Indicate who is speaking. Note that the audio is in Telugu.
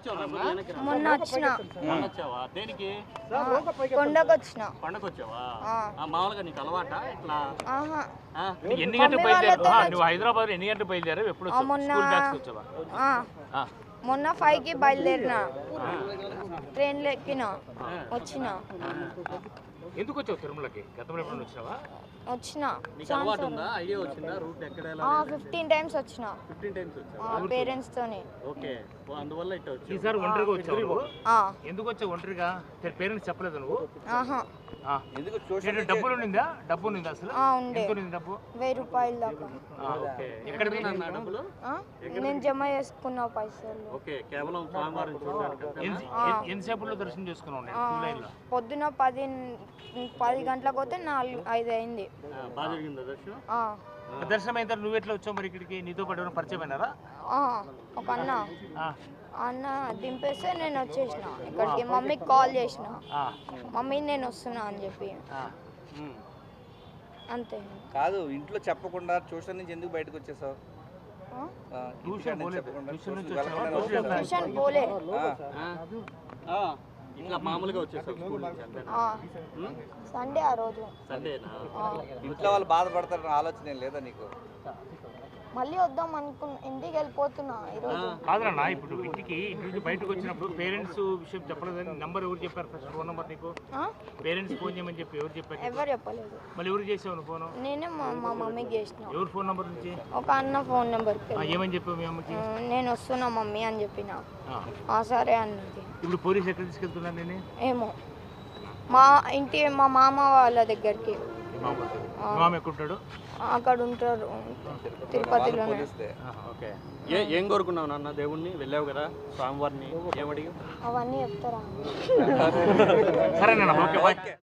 Speaker 1: మొన్న వచ్చిన
Speaker 2: వచ్చావా దేనికి
Speaker 1: కొండకు వచ్చిన
Speaker 2: పండగ వచ్చావా మామూలుగా నీకు అలవాటా ఇట్లా
Speaker 3: ఎన్ని గంటలు బయలుదేరావు నువ్వు హైదరాబాద్ ఎన్ని గంటలు బయలుదేరావు ఎప్పుడు
Speaker 1: మొన్న 5కి బయలుదేరిన ట్రైన్లో ఎక్కిన వచ్చిన
Speaker 3: ఎందుకు వచ్చావు తిరుమలకి గతంలో ఎప్పుడు వచ్చినావా
Speaker 1: వచ్చిన
Speaker 2: నీకు అలవాటు ఉందా ఐడియా వచ్చిందా రూట్ ఎక్కడ
Speaker 1: 15 టైమ్స్ వచ్చిన
Speaker 2: 15 టైమ్స్ వచ్చావా
Speaker 1: పేరెంట్స్ తోని
Speaker 2: ఓకే అందువల్ల ఇట్లా వచ్చావు
Speaker 3: ఈసారి ఒంటరిగా వచ్చావు ఎందుకు వచ్చావు ఒంటరిగా పేరెంట్స్ చెప్పలేదు నువ్వు డబ్బులు ఉండిందా డబ్బు ఉండిందా అసలు ఎంత ఉంది డబ్బు
Speaker 1: 1000 రూపాయలు దాకా
Speaker 2: ఎక్కడ పోయినా డబ్బులు
Speaker 1: నేను జమ చేసుకున్న పైసలు
Speaker 2: ఓకే కేవలం స్వామివారిని చూడడానికి
Speaker 3: ఎంతసేపులో దర్శనం చేసుకున్నావు
Speaker 1: పొద్దున 10 గంటలకు పోతే 4-5 అయింది
Speaker 2: బాగా జరిగిందా దర్శనం
Speaker 3: దర్శనం అయిన నువ్వు ఎట్లా వచ్చావు మరి ఇక్కడికి నీతో పాటు పరిచయం అయినారా
Speaker 1: ఒక అన్న దింపేస్తే నేను వచ్చేసిన ఇక్కడికి మమ్మీకి కాల్ చేసిన మమ్మీ నేను వస్తున్నా అని చెప్పి అంతే
Speaker 4: కాదు ఇంట్లో చెప్పకుండా ట్యూషన్ నుంచి ఎందుకు బయటకు వచ్చేసావు
Speaker 1: ట్యూషన్ పోలే
Speaker 2: ఇట్లా మామూలుగా వచ్చేసావు
Speaker 1: సండే ఆ రోజు
Speaker 2: సండేనా
Speaker 4: ఇంట్లో వాళ్ళు బాధపడతారని ఆలోచన లేదా నీకు
Speaker 1: మళ్ళీ వద్దాం అనుకున్నా ఇంటికి వెళ్ళిపోతున్నా ఈరోజు
Speaker 3: కాదన్నా ఇప్పుడు ఇంటి నుంచి బయటకు వచ్చినప్పుడు పేరెంట్స్ విషయం చెప్పలేదని నంబర్ ఎవరు చెప్పారు ఫస్ట్ ఫోన్ నెంబర్ నీకు పేరెంట్స్ ఫోన్ చేయమని చెప్పి ఎవరు చెప్పారు
Speaker 1: ఎవరు చెప్పలేదు
Speaker 3: మళ్ళీ ఎవరు చేసావు ఫోన్
Speaker 1: నేనే మా మమ్మీకి చేసిన
Speaker 3: ఎవరు ఫోన్ నెంబర్ నుంచి
Speaker 1: ఒక అన్న ఫోన్ నెంబర్
Speaker 3: ఏమని చెప్పావు మీ అమ్మకి
Speaker 1: నేను వస్తున్నా మమ్మీ అని చెప్పిన సరే అన్నది
Speaker 3: ఇప్పుడు పోలీసు ఎక్కడ తీసుకెళ్తున్నాను నేను
Speaker 1: ఏమో మా మామ వాళ్ళ దగ్గరికి
Speaker 3: మామ ఎక్కడుంటాడు
Speaker 1: అక్కడ ఉంటారు తిరుపతిలో
Speaker 2: ఓకే ఏం కోరుకున్నావు నాన్న దేవుణ్ణి వెళ్ళావు కదా స్వామివారిని ఏమడిగా
Speaker 1: అవన్నీ చెప్తారా
Speaker 3: సరేనా ఓకే